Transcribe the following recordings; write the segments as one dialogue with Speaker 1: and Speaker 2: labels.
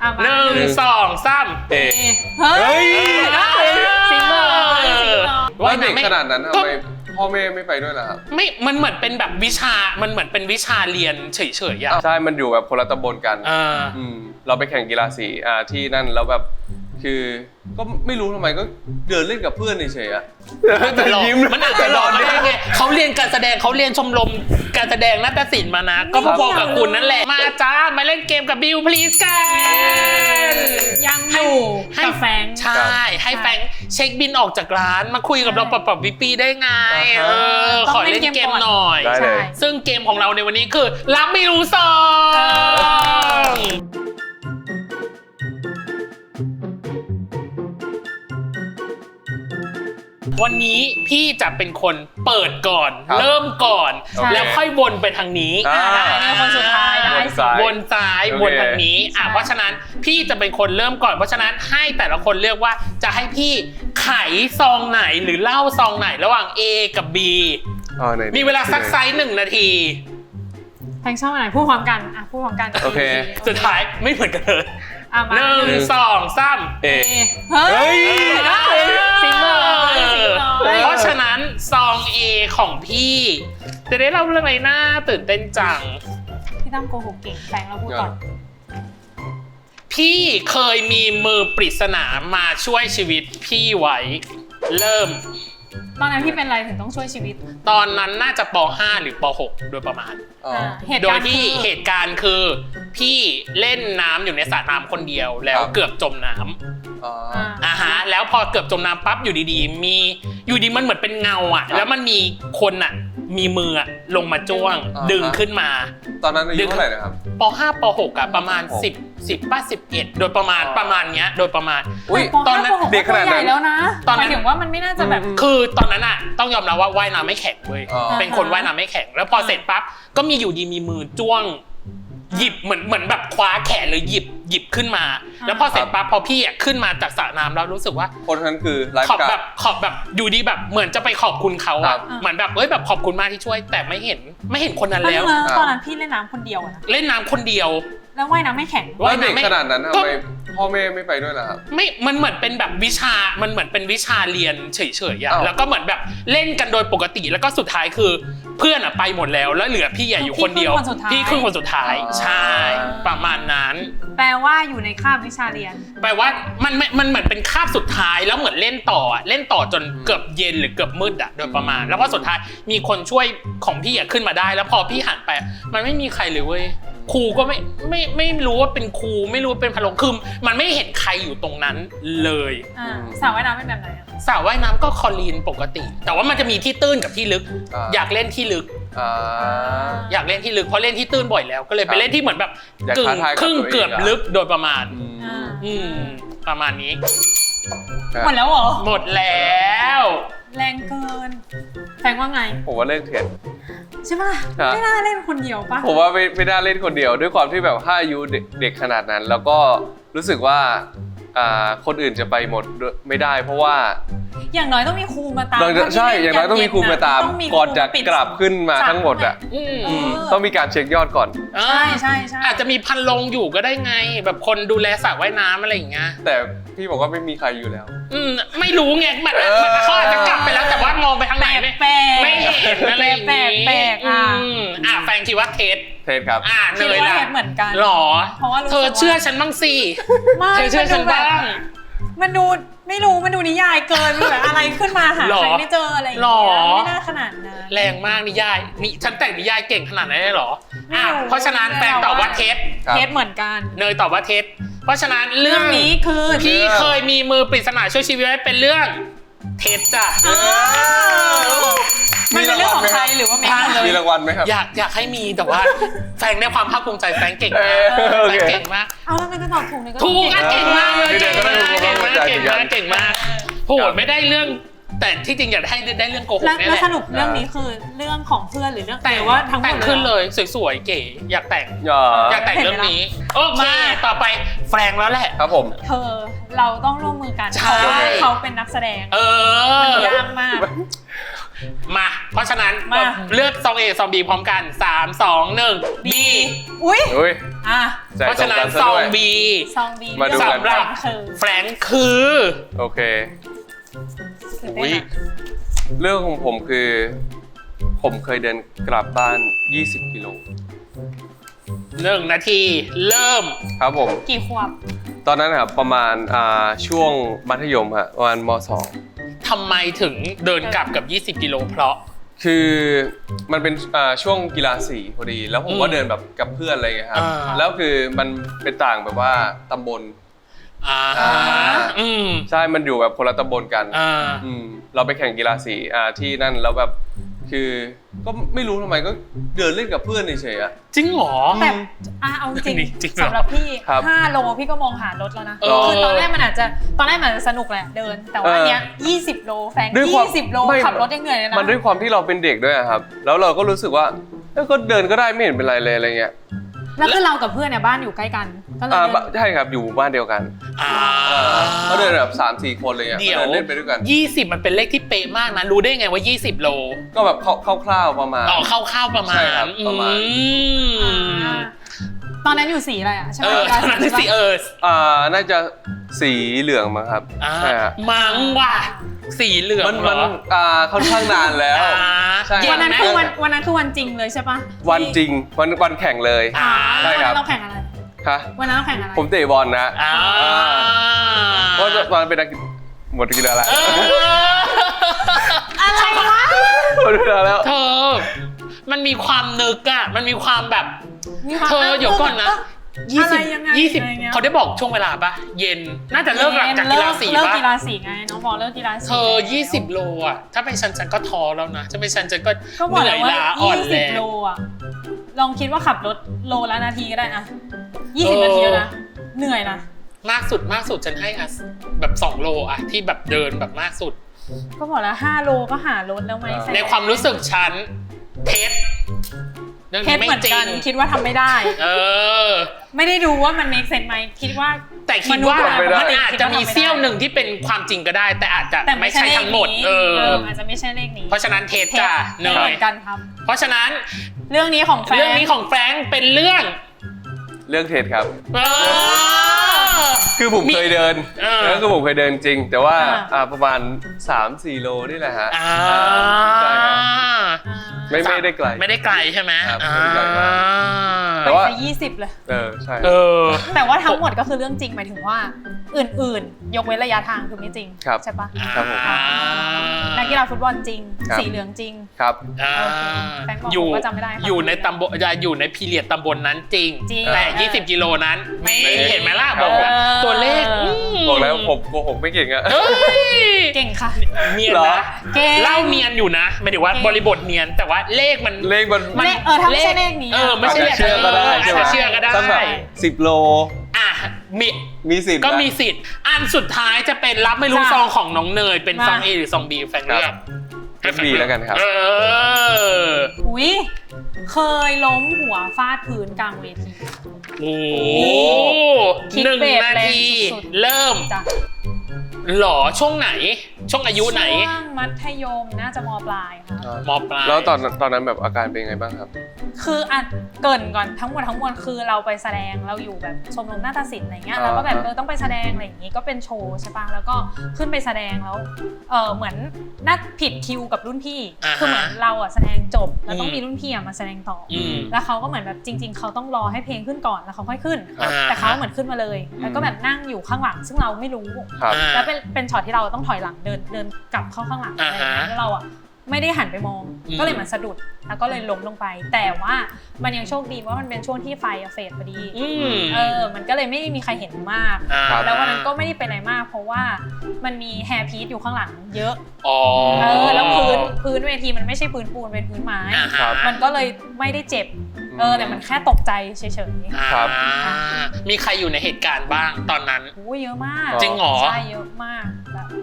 Speaker 1: 1 2 3
Speaker 2: เฮ้ย
Speaker 3: จริงเหรอ
Speaker 2: ว่าเด็กขนาดนั้นทำไมพ่อแม่ไม่ไปด้วยล่ะครับ
Speaker 1: ไม่มันเหมือนเป็นแบบวิชามันเหมือนเป็นวิชาเรียนเฉยๆอ่ะ
Speaker 2: ใช่มันอยู่แบบคนละตำบลกันเราไปแข่งกีฬาสีที่นั่นแล้วแบบคือก็ไม่รู้ทำไมก็เดินเล่นกับเพื่อนเฉยๆอะแต่ยิ้ม
Speaker 1: มันอาจจะหลอนได้ไงเขาเรียนการแสดงเขาเรียนชมรมการแสดงนาฏศิลป์มานะก็พอๆกับคุณนั่นแหละมาจ้ามาเล่นเกมกับบิว please กัน
Speaker 3: ยังอยู่กับแฟง
Speaker 1: ใช่ให้แฟงเช็คบินออกจากร้านมาคุยกับเราปรับวิปีได้ไงขอเล่นเกมหน่อยซึ่งเกมของเราในวันนี้คือรับไม่รู้ซองวันนี้พี่จะเป็นคนเปิดก่อนเริ่มก่อนแล้วค่อยวนไปทางนี้
Speaker 3: ได้คนสุดท้ายได้
Speaker 1: วนซ้ายวนทางนี้เพราะฉะนั้นพี่จะเป็นคนเริ่มก่อนเพราะฉะนั้นให้แต่ละคนเลือกว่าจะให้พี่ไขซองไหนหรือเล่าซองไหนระหว่าง A กับ B มีเวลาซักไซส์1 นาที
Speaker 3: แพงชอบอะไรพูดพร้อมกันพูดพร้อมกัน
Speaker 2: โอเค
Speaker 1: สุดท้ายไม่เหมือนกันเลย1 2 3
Speaker 2: เฮ้ย
Speaker 3: จริงเหรอ
Speaker 1: เพราะฉะนั้นซอง A ของพี่จะได้เล่าเรื่องอะไรน่าตื่นเต้นจัง
Speaker 3: พี่ตั้มโกหกเก่งแพงเราพูดก่อน
Speaker 1: พี่เคยมีมือปริศนามาช่วยชีวิตพี่ไว้เริ่ม
Speaker 3: ตอนนั้นพี่เป็นอะไรถึงต้องช่วยชีวิต
Speaker 1: ตอนนั้นน่าจะป.5 หรือป.6 โดยประมาณโดยที่เหตุการณ์คือพี่เล่นน้ำอยู่ในสระน้ำคนเดียวแล้วเกือบจมน้ำแล้วพอเกือบจมน้ำปั๊บอยู่ดีๆมันเหมือนเป็นเงาแล้วมันมีคนมีมือลงมาจ้วงดึงขึ้นมา
Speaker 2: ตอนนั้นอายุเท่าไหร่นะครับ
Speaker 1: ป.5 ป.6ประมาณ10 11โดยประมาณเนี้ยโดยประมาณ
Speaker 3: ตอนนั้นเด็กขนาดนั้นแล้วนะตอนนั้นถึงว่ามันไม่น่าจะแบบ
Speaker 1: คือตอนนั้นต้องยอมรับว่าว่ายน้ำไม่แข็งเว้ยเป็นคนว่ายน้ำไม่แข็งแล้วพอเสร็จปั๊บก็มีอยู่ดีมีมือจ้วงหยิบเหมือนแบบคว้าแขนเลยหยิบขึ้นมาแล้วพอเสร็จปั๊บพอพี่ขึ้นมาจากสระน้ำแล้วรู้สึกว่า
Speaker 2: คนนั้นคือ
Speaker 1: ขอบแบบอยู่ดีแบบเหมือนจะไปขอบคุณเขาเหมือนแบบแบบขอบคุณมากที่ช่วยแต่ไม่เห็นคนนั้นแล้ว
Speaker 3: ตอนนั้นพี่เล่นน้ำคนเดียว
Speaker 1: เล่นน้ำคนเดียว
Speaker 3: แล้วว่ายน้ำไม่แข็ง
Speaker 2: ว่าเด็กขนาดนั้นทำไมพ่อแม่ไม่ไปด้วยล่ะครับ
Speaker 1: ไม่มันเหมือนเป็นแบบวิชามันเหมือนเป็นวิชาเรียนเฉยๆแล้วก็เหมือนแบบเล่นกันโดยปกติแล้วก็สุดท้ายคือเพื่อนไปหมดแล้วเหลือพี่อยู่คนเดียวพี่ครึ่งคนสุดท้ายใช่ประมาณนั้น
Speaker 3: แปลว่าอยู่ในคาบวิชาเรียน
Speaker 1: แปลว่ามันเหมือนเป็นคาบสุดท้ายแล้วเหมือนเล่นต่อจนเกือบเย็นหรือเกือบมืดโดยประมาณแล้วพอสุดท้ายมีคนช่วยของพี่ขึ้นมาได้แล้วพอพี่หันไปมันไม่มีใครเลยเว้ยครูก็ไม่รู้ว่าเป็นครูไม่รู้เป็นพะโล้คือมันไม่เห็นใครอยู่ตรงนั้นเลย
Speaker 3: สระว่ายน้ำเป็นแบบไหน
Speaker 1: สระว่ายน้ำก็คลอรีนปกติแต่ว่ามันจะมีที่ตื้นกับที่ลึกอยากเล่นที่ลึกอยากเล่นที่ลึกเพราะเล่นที่ตื้นบ่อยแล้วก็เลยไปเล่นที่เหมือนแบบครึ่งเกือบลึกโดยประมาณประมาณนี้
Speaker 3: หมดแล้วเหรอ
Speaker 1: หมดแล้ว
Speaker 3: แรงเกินแพงว่าไง
Speaker 2: ผมว่าเล่นเถิด
Speaker 3: ใช่ป่ะไม่น่าเล่นคนเดียวป่ะ
Speaker 2: ผมว่าไม่น่าเล่นคนเดียวด้วยความที่แบบถ้าอายุเด็กขนาดนั้นแล้วก็รู้สึกว่าคนอื่นจะไปหมดไม่ได้เพราะว่า
Speaker 3: อย่างน้อยต้องมีครูมาตาม
Speaker 2: ใช่อย่างน้อยต้องมีครูมาตามก่อนจะกลับขึ้นมาทั้งหมดต้องมีการเช็คยอดก่อน
Speaker 3: ใช่
Speaker 1: อาจจะมีพันลงอยู่ก็ได้ไงแบบคนดูแลสระว่ายน้ำอะไรอย่างเงี้ย
Speaker 2: แต่พี่บอกว่าไม่มีใครอยู่แล้ว
Speaker 1: ไม่รู้ไงมันเขาอาจจะกลับไปแล้วแต่ว่ามองไปทางไหนไม่เห็นอะไรอย่างงี้แฟนคิดว่าเทส
Speaker 2: ครับ
Speaker 3: คิดว่าเทสเหมือนกัน
Speaker 1: หรอเธอเชื่อฉันบ้างสิเธอเชื่อฉันบ้าง
Speaker 3: มันดูไม่รู้มันดูนิยายเกินแบบอะไรขึ้นมาหาใครไม่เจออะไรอย่างเงี้ยไม่น่าขนาดนั้น
Speaker 1: แรงมากนิยายนี่ฉันแต่งนิยายเก่งขนาดนั้นเลยเหรอเพราะฉะนั้นแฟนตอบว่าเท
Speaker 3: สเหมือนกัน
Speaker 1: เนยตอบว่าเทสเพราะฉะนั้นเรื่อง
Speaker 3: นี้คือ
Speaker 1: พี่เคยมีมือปริศนาช่วยชีวิตไว้เป็นเรื่องเทสจ้ะ
Speaker 3: มันเป็นเรื่องของใครหรือว่า
Speaker 2: มีรางวัลไหมครับ
Speaker 1: อยากให้มีแต่ว่าแฟนได้ความภาคภูมิใจแฟนเก่งมากแฟนเก่งมาก
Speaker 3: เอาแล้วมันก็ตอบถูกเลยก็
Speaker 1: ถูกเก่งมากเลยเก่งมากโหไม่ได้เรื่องแต่ที่จริงอยากได้เรื่องโกหกนี่แหละ
Speaker 3: แล้วสรุปเรื่องนี้คือเรื่องของเพื่อนหรือเรื่องแต่ว่าทั้งหมด
Speaker 1: แต่งขึ้นเลยสวยๆเก๋อยากแต่งเรื่องนี้โอเคต่อไปแฟรงแล้วแหละ
Speaker 2: ครับผม
Speaker 3: เธอเราต้องร่วมมือกันเพราะว่าเขาเป็นนักแสดงมันยากมาก
Speaker 1: มาเพราะฉะนั้น
Speaker 3: มา
Speaker 1: เลือกซอง A ซอง B พร้อมกัน 3 2 1 B
Speaker 3: อุ้ย
Speaker 2: อุ้ย
Speaker 3: อ่ะ
Speaker 2: ใจ
Speaker 1: เพราะ
Speaker 2: ตร
Speaker 1: ฉะ
Speaker 2: ง
Speaker 1: นั้
Speaker 2: กัน นซะ
Speaker 1: ซอง
Speaker 2: ด้วย
Speaker 1: B
Speaker 3: ซองบี
Speaker 2: มาดูกัน
Speaker 1: สำหรับ
Speaker 3: คือ
Speaker 1: แฟรงค์คือ
Speaker 2: โอเค
Speaker 3: ตื่น
Speaker 1: อุ๊
Speaker 3: เต้น
Speaker 1: ย
Speaker 3: อะ
Speaker 2: เรื่องของผมคือ ผมเคยเดินกลับบ้าน 20 กิโล
Speaker 1: 1 นาทีเริ่ม
Speaker 2: ครับผม
Speaker 3: กี่ขวบ
Speaker 2: ตอนนั้นครับประมาณช่วงมัธยมฮะประมาณม
Speaker 1: ทำไมถึงเดินกลับกับ 20 กิโลเพราะ
Speaker 2: .2 คือมันเป็นช่วงกีฬาสีพอดี แล้วผมก็เดินแบบกับเพื่อนอะไรอย่างเงี้ยครับ
Speaker 1: อ่า
Speaker 2: แล้วคือมันเป็นต่างแบบว่าตำบล
Speaker 1: อืม
Speaker 2: ใช่ มันอยู่แบบคนละตำบลกัน เราไปแข่งกีฬาสีที่นั่นแล้วแบบคือก็ไม่รู้ทำไมก็เดินเล่นกับเพื่อนเฉยๆอะ
Speaker 1: จริงเหรอ
Speaker 3: แต่เอาจริง
Speaker 1: จริงเหรอ
Speaker 3: สำหรับพี่
Speaker 2: ครับ
Speaker 3: 5 โลพี่ก็มองหารถแล้วนะ
Speaker 1: เออ
Speaker 3: คือตอนแรกมันอาจจะสนุกแหละเดิน แต่ว่าอันเนี้ย20 โลแฟง
Speaker 2: ด้วยความ
Speaker 3: 20 โล
Speaker 2: ไม่
Speaker 3: ขับรถยังเหนื่อยเลยนะ
Speaker 2: มันด้วยความที่เราเป็นเด็กด้วยอะครับ แล้วเราก็รู้สึกว่าก็เดินก็ได้ไม่เห็นเป็นไรเลยอะไรเงี้ย
Speaker 3: แล้วคือเรากับเพื่อนเนี่ยบ้านอยู่ใกล้กัน ก็เลยเดิน
Speaker 2: ใช่ครับอยู่หมู่บ้านเดียวกัน ก็เดินแบบ3-4 คนเลยอ่ะ
Speaker 1: เดี๋ยว
Speaker 2: เดินเล่นไปด้วยกัน
Speaker 1: 20 มันเป็นเลขที่เป๊ะมากนะ รู้ได้ไงว่า 20 โล
Speaker 2: ก็แบบคร่าวๆประมาณ
Speaker 1: อ๋อเข้าๆประมาณ
Speaker 2: ใช่ครับประมาณ
Speaker 3: ตอนนั้นอยู่สีอะไรอ่ะใช่ไหม
Speaker 1: ตอนนั้นสิ
Speaker 2: น่าจะสีเหลืองมั้งครับใช่ฮะ
Speaker 1: มังว่ะสีเหลือง
Speaker 2: มัน
Speaker 1: เหรอ
Speaker 2: ค่อนข้างนานแล้ว ใช่
Speaker 3: วันนั้นคือวันจริงเลยใช่ปะ
Speaker 2: วันจริงวันแข่งเลย ใช่
Speaker 3: วัน
Speaker 2: ครั
Speaker 3: นั้
Speaker 2: บ
Speaker 3: นเราแข่งอะไร
Speaker 2: ค่ะ
Speaker 3: วันนั้นเราแข่งอะไร
Speaker 2: ผมเตะบอลนะ
Speaker 1: อ่า
Speaker 2: เพราะตอนนั้นเป็นนักหมดกีฬาแล้ว
Speaker 3: อะไรวะ
Speaker 2: หมดกีฬาแล้ว
Speaker 1: เธอ มันมีความนึกอะมันมีความแบบ เธอเดี๋ยวก่อนนะ
Speaker 3: อะไรยังไง
Speaker 1: 20เขาได้บอกช่วงเวลาปะเย็น น่าจะเลิกหลังจากกีฬาสี
Speaker 3: เลิก
Speaker 1: ปะ
Speaker 3: กีฬาสีไงน้องบอกเลิกกีฬาสี
Speaker 1: เธอ 20 โลอะถ้าเป็นฉันก็ท้อแล้วนะถ้าเป็นฉันก็
Speaker 3: ก็บ
Speaker 1: เห
Speaker 3: อก
Speaker 1: นื่
Speaker 3: แล้
Speaker 1: อ
Speaker 3: วย ว่า
Speaker 1: ล้าอ่อนแร
Speaker 3: 20
Speaker 1: ง
Speaker 3: โลอ่ะลองคิดว่าขับรถโลละนาทีก็ได้นะ20 นาทีแล้วนะเหนื่อยนะ
Speaker 1: มากสุดฉันให้อะแบบ2 โลอะที่แบบเดินแบบมากสุด
Speaker 3: ก็บอกแล้ว5 โลก็หารถแล้วไหมแฟน
Speaker 1: ในความรู้สึกฉันเท็จเรื่อง
Speaker 3: เท
Speaker 1: นี้
Speaker 3: ส
Speaker 1: ไม่
Speaker 3: เหมือน
Speaker 1: จริ
Speaker 3: กั
Speaker 1: ง
Speaker 3: นคิดว่าทำไม่ได้
Speaker 1: อ
Speaker 3: ไม่ได้ดูว่ามัน make sense ไหมคิดว่า
Speaker 1: แต่คิดว่า
Speaker 3: ษย์
Speaker 1: มันอาจจะมีเสี้ยวหนึ่งที่เป็นความจริงก็ได้ แต่อาจจะ
Speaker 3: แต่
Speaker 1: ไม่ใช่ทั้งหมด
Speaker 3: อาจจะไม่ใช่เลขนี้
Speaker 1: เพราะฉะนั้นเทสจ้ะเน
Speaker 3: เหมื
Speaker 1: ย
Speaker 3: อนกันครับ
Speaker 1: เพราะฉะนั้น
Speaker 3: เรื่องนี้ของแฟน
Speaker 1: เรื่องนี้ของแฟรงค์เป็นเรื่อง
Speaker 2: เรื่องเทรดครับ
Speaker 1: เออ
Speaker 2: คือผมเคยเดิน
Speaker 1: เออ
Speaker 2: แล้วคือผมเคยเดินจริง แต่ว่าประมาณ 3-4 โลนี่แหละฮะ
Speaker 1: อ่า
Speaker 2: ใช่ครับ ไม่ได้ไกล
Speaker 1: ไม่ได้ไกลใช่ไหม
Speaker 2: ครับ
Speaker 1: อ่า
Speaker 2: ไม่ได้ไกลมาก แต่
Speaker 3: แต่
Speaker 2: ว่า
Speaker 3: ว่า20เลย
Speaker 2: ใช่
Speaker 1: เออ
Speaker 3: แต่ว่าทั้งหมดก็คือเรื่องจริงหมายถึงว่าอื่นๆ ยกเว้นระยะทางคือไม่จริง
Speaker 2: ครับ
Speaker 3: ใช่ปะ
Speaker 2: ครับผม
Speaker 3: นักกีฬาฟุตบอลจริง
Speaker 2: ครับ
Speaker 3: สีเหลืองจริง
Speaker 2: ครับ
Speaker 1: อ่า
Speaker 3: โอเคแฟรงค์บอก
Speaker 1: อยู่
Speaker 3: ผมก็จำไม่ได้ครับ
Speaker 1: อยู่ในตำบลอยู่ในพีเรียดตำบลนั้นจริง
Speaker 3: จริง
Speaker 1: แต่
Speaker 3: เออ
Speaker 1: 20 กิโลนั้นไม่
Speaker 2: ไม่
Speaker 1: เห็นไหมล่ะ
Speaker 2: ครับ
Speaker 1: บอกว่า
Speaker 3: เออ
Speaker 1: ตัวเลข
Speaker 2: บอกแล้วผมโกหกไม่เก่งอะ
Speaker 1: เอ้ย
Speaker 3: เก่งค่ะ
Speaker 1: เนียน
Speaker 2: เหรอ
Speaker 1: นะ
Speaker 3: เก่ง
Speaker 1: เล่าเนียนอยู่นะหมายถึงว่า
Speaker 3: เก่ง
Speaker 1: บริบทเนียนแต่ว่าเลขมัน
Speaker 2: เลขมัน
Speaker 3: ถ้าไม่ใช่เลขนี้
Speaker 1: ไม่ใช่
Speaker 2: อาจจะเชื่อก็ได้ใช่ไหม
Speaker 1: อาจจะเชื่อก็ได้
Speaker 2: สักแบบ10 โล
Speaker 1: อ่ะมี
Speaker 2: มีสิทธิ์
Speaker 1: ก็
Speaker 2: นะ
Speaker 1: มีสิทธิ์ อันสุดท้ายจะเป็นรับไม่รู้
Speaker 3: จ้ะ
Speaker 1: ซองของน้องเนยเป็นซอง
Speaker 3: มา
Speaker 1: A หรือซอง B แฟนเลือก
Speaker 2: เลือก B แล้วกันครับ
Speaker 3: อุ้ยเคยล้มหัวฟาดพื้นกลางเวที
Speaker 1: โอ้
Speaker 3: คิด
Speaker 1: หนึ่ง
Speaker 3: เบส
Speaker 1: นา
Speaker 3: แรง
Speaker 1: ที
Speaker 3: สุด
Speaker 1: เริ่ม
Speaker 3: จ้ะ
Speaker 1: หรอช่วงไหน ช่วงอายุไหน
Speaker 3: ช่วงมัธยมน่าจะมปลายค่ะ
Speaker 1: มปลาย
Speaker 2: แล้วตอนนั้นแบบอาการเป็นไงบ้างครับ
Speaker 3: คืออ่ะเกรินก่อนทั้งหมดคือเราไปแสดงเราอยู่แบบชมรมนาฏศิลป์อะไรเงี้ยแล้วก็แบบต้องไปแสดงอะไรอย่างงี้ก็เป็นโชว์ใช่ปะแล้วก็ขึ้นไปแสดงแล้วเหมือนนัดผิดคิวกับรุ่นพี่ คือเหมือนเราอ่ะแสดงจบแล้วต้องมีรุ่นพี่อ่ะมาแสดงต่ออ
Speaker 1: อืม
Speaker 3: แล้วเขาก็เหมือนแบบจริง ๆเขาต้องรอให้เพลงขึ้นก่อนแล้วเขาค่อยขึ้น
Speaker 2: ครับ
Speaker 3: แต่เขาเหมือนขึ้นมาเลย แล้วก็แบบนั่งอยู่ข้างหลังซึ่งเราไม่รู้
Speaker 2: ครับ
Speaker 3: แล้วเป็นช็อตที่เราต้องถอยหลังเดินกลับเข้าข้างหลังอะไรอย่างเงี้ยแล้วเราอ่ะไม่ได้หันไปมอง ก็เลยเหมือนสะดุดแล้วก็เลยล้มลงไป แต่ว่ามันยังโชคดีว่ามันเป็นช่วงที่ไฟเฟดพอดี มันก็เลยไม่มีใครเห็นมาก
Speaker 2: ครับ
Speaker 3: แล้ววันนั้นก็ไม่ได้เป็นอะไรมาก เพราะว่ามันมีแฮร์พีซอยู่ข้างหลังเยอะ
Speaker 1: อ๋อ
Speaker 3: แล้วพื้นเวทีมันไม่ใช่พื้นปูนเป็นพื้นไม้
Speaker 2: ครับ
Speaker 3: มันก็เลยไม่ได้เจ็บแต่มันแค่ตกใจเฉย
Speaker 2: ครับ
Speaker 1: มีใครอยู่ในเหตุการณ์บ้างตอนนั้น
Speaker 3: ๆโอ้ยเยอะมาก
Speaker 1: จริงเหรอ
Speaker 3: ใช่เยอะมากแบบ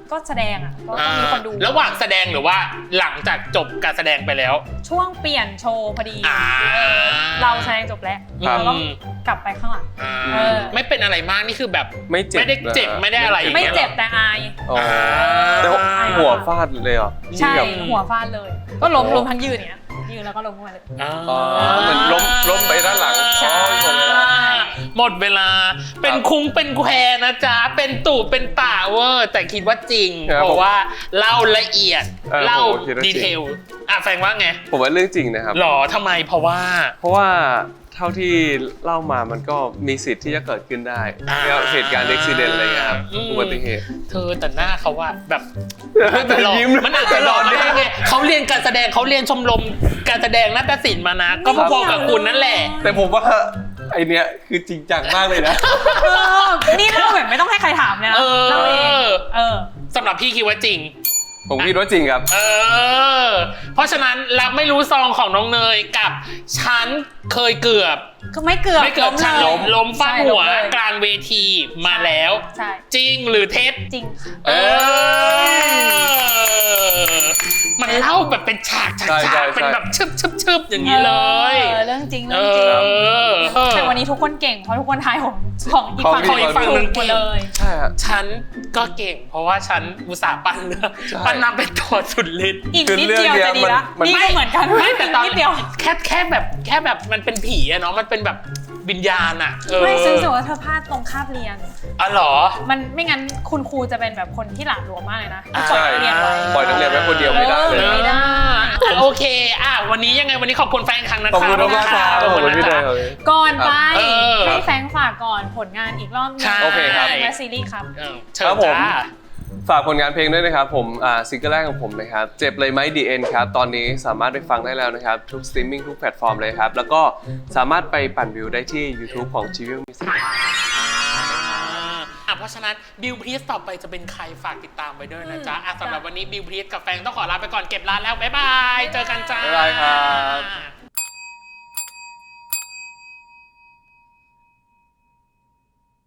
Speaker 3: ก็แสดงอ่ะก็ต้องมีคนดู
Speaker 1: ระหว่างแสดงหรือว่าหลังจากจบการแสดงไปแล้ว
Speaker 3: ช่วงเปลี่ยนโชว์พอดี
Speaker 1: อ่า
Speaker 3: เราแสดงจบแล้ว
Speaker 2: ครับ
Speaker 3: เราก็กลับไปข้างหลัง
Speaker 1: ไม่เป็นอะไรมากนี่คือแบบ
Speaker 2: ไม่เจ็บ
Speaker 1: ไม่ได้เจ็บไม่ได้อะไรอย่าง
Speaker 3: ไม่
Speaker 1: เงี้ย
Speaker 3: เจ็บแต่อาย
Speaker 2: อ๋อแต่หัวฟาดเลยเหรอ
Speaker 3: ใช่
Speaker 2: แบบ
Speaker 3: หัวฟาดเลย ก็ล้มทั้งยืนเนี่ยยืนแล้วก็ล้มลงมาเลย
Speaker 2: อ๋อเหมือนล้มไปด้านหลัง
Speaker 3: ใช่
Speaker 1: หมดเวลาเป็นคุ้งเป็นแควนะจ๊ะเป็นตู่เป็นป่าเวอร์แต่คิดว่าจริง เพราะว่าเล่าละเอียดเล่าดีเทลแฟงว่าไง
Speaker 2: ผมว่าเรื่องจริงนะครับ
Speaker 1: หรอทำไมเพราะว่า
Speaker 2: เพราะว่าเท่าที่เล่ามามันก็มีสิทธิ์ที่จะเกิดขึ้นได้เหตุการณ์อุบัติเหตุอะไรเงี้ยครับอุบัติเหตุ
Speaker 1: เธอแต่หน้าเขาว่าแบบ
Speaker 2: แต่ยิ้ม
Speaker 1: มันอาจจะหลอนได้ไงเขาเรียนการแสดงเขาเรียนชมรมการแสดงนาฏศิลป์มานะ ก็พอๆกับคุณนั่นแหละ
Speaker 2: แต่ผมว่าไอเนี้ยคือจริงจังมากเลยนะ
Speaker 3: นี่เล่าแบบไม่ต้องให้ใครถามเลยนะเล่าเอง
Speaker 1: สำหรับพี่คิดว่าจริง
Speaker 2: ผมคิดว่าจริงครับ
Speaker 1: เพราะฉะนั้นรับไม่รู้ซองของน้องเนยกับฉันเคยเกือบ
Speaker 3: ก็ไม่เกือบ
Speaker 1: ฉันล้มฟาดหัวกลางเวทีมาแล้ว
Speaker 3: ใช่
Speaker 1: จริงหรือเท็จ
Speaker 3: จริง
Speaker 1: มันเล่าแบบเป็นฉากเป็นแบบชึบอย่างนี้เลย
Speaker 3: เรื่องจริงแต่วันนี้ทุกคนเก่งเพราะทุกคนทายของอีกฝั่ง
Speaker 1: ของอีกฝั่งหนึ่ง
Speaker 3: หมดเลย
Speaker 2: ใช่ครับ
Speaker 1: ฉันก็เก่ง เพราะว่าฉันอุตส่าห์ปั้นเรื่องปั้นนำเป็นตัวสุดฤทธิ์
Speaker 3: อีกนิดเดียวจะดีละนี่ก็เหมือนกัน
Speaker 1: ไม่แต่ตอน
Speaker 3: นิดเดียว
Speaker 1: แค่แบบมันเป็นผีอะเนาะมันเป็นแบบวิญญาณอะ
Speaker 3: ไม่ซื้อสึกว่าเธอพลาดตรงคาบเรียน
Speaker 1: อ๋อเหรอ
Speaker 3: มันไม่งั้นคุณครูจะเป็นแบบคนที่หลาดหลวมมากเลยนะ
Speaker 2: ใช่ ปล่อยนักเรียนไว้คนเดียวไม่ได้เลย
Speaker 3: ไม่ได้
Speaker 1: โอเควันนี้ยังไงวันนี้ขอบคุณแฟนครั้งนะคะ
Speaker 2: ขอบคุณมากครับขอบคุณพี่เนย
Speaker 3: ก่อนไป
Speaker 1: ครับ
Speaker 3: ให้แฟงฝากก่อนผลงานอีกรอบนึง
Speaker 2: โอเคครับ
Speaker 3: และซีรีส์ครับ
Speaker 1: เชิญ
Speaker 2: ครับผม
Speaker 1: จ้า
Speaker 2: ฝากผลงานเพลงด้วยนะครับผมซิงเกิลแรกของผมนะครับเจ็บเลยไหม The End ครับตอนนี้สามารถไปฟังได้แล้วนะครับทุกสตรีมมิ่งทุกแพลตฟอร์มเลยครับแล้วก็สามารถไปปั่นวิวได้ที่ YouTube ของ Chivial Music
Speaker 1: เพราะฉะนั้นบิวพรีสต่อไปจะเป็นใครฝากติดตามไว้ด้วยนะจ๊ะสำหรับวันนี้บิวพรีสกับแฟนต้องขอลาไปก่อนเก็บร้านแล้วบ๊ายบายเจอกันจ้า
Speaker 2: บ๊ายบายครับ